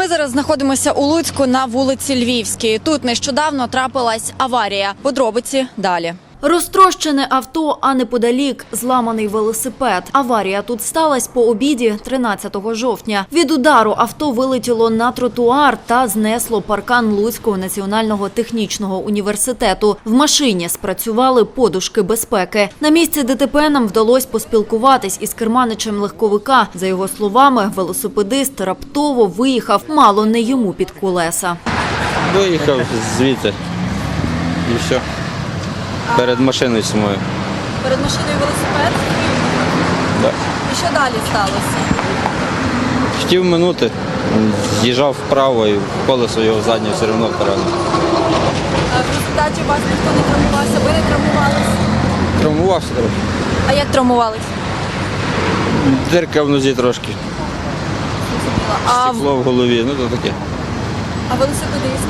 Ми зараз знаходимося у Луцьку на вулиці Львівській. Тут нещодавно трапилась аварія. Подробиці далі. Розтрощене авто, а неподалік зламаний велосипед. Аварія тут сталася по обіді 13 жовтня. Від удару авто вилетіло на тротуар та знесло паркан Луцького національного технічного університету. В машині спрацювали подушки безпеки. На місці ДТП нам вдалося поспілкуватись із керманичем легковика. За його словами, велосипедист раптово виїхав мало не йому під колеса. Виїхав звідти і все. Перед машиною самою. Перед машиною велосипед? Да. І що далі сталося? Хотів минути, з'їжджав вправо і колесо його заднє все одно поранило. В результаті у вас ніхто не травмувався, ви не травмувалися? Травмувався трохи. А як травмувалися? Дирка в нозі трошки, стекло в голові, ну то таке. А велосипедист?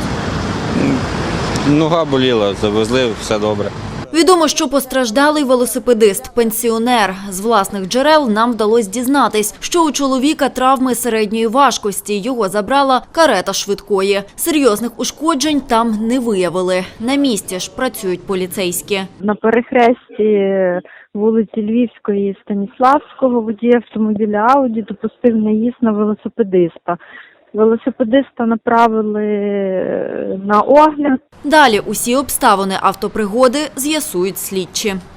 Нога боліла, завезли, все добре. Відомо, що постраждалий велосипедист – пенсіонер. З власних джерел нам вдалося дізнатись, що у чоловіка травми середньої важкості. Його забрала карета швидкої. Серйозних ушкоджень там не виявили. На місці ж працюють поліцейські. На перехресті вулиці Львівської і Станіславського водій автомобіля Ауді допустив наїзд на велосипедиста. Велосипедиста направили на огляд. Далі усі обставини автопригоди з'ясують слідчі.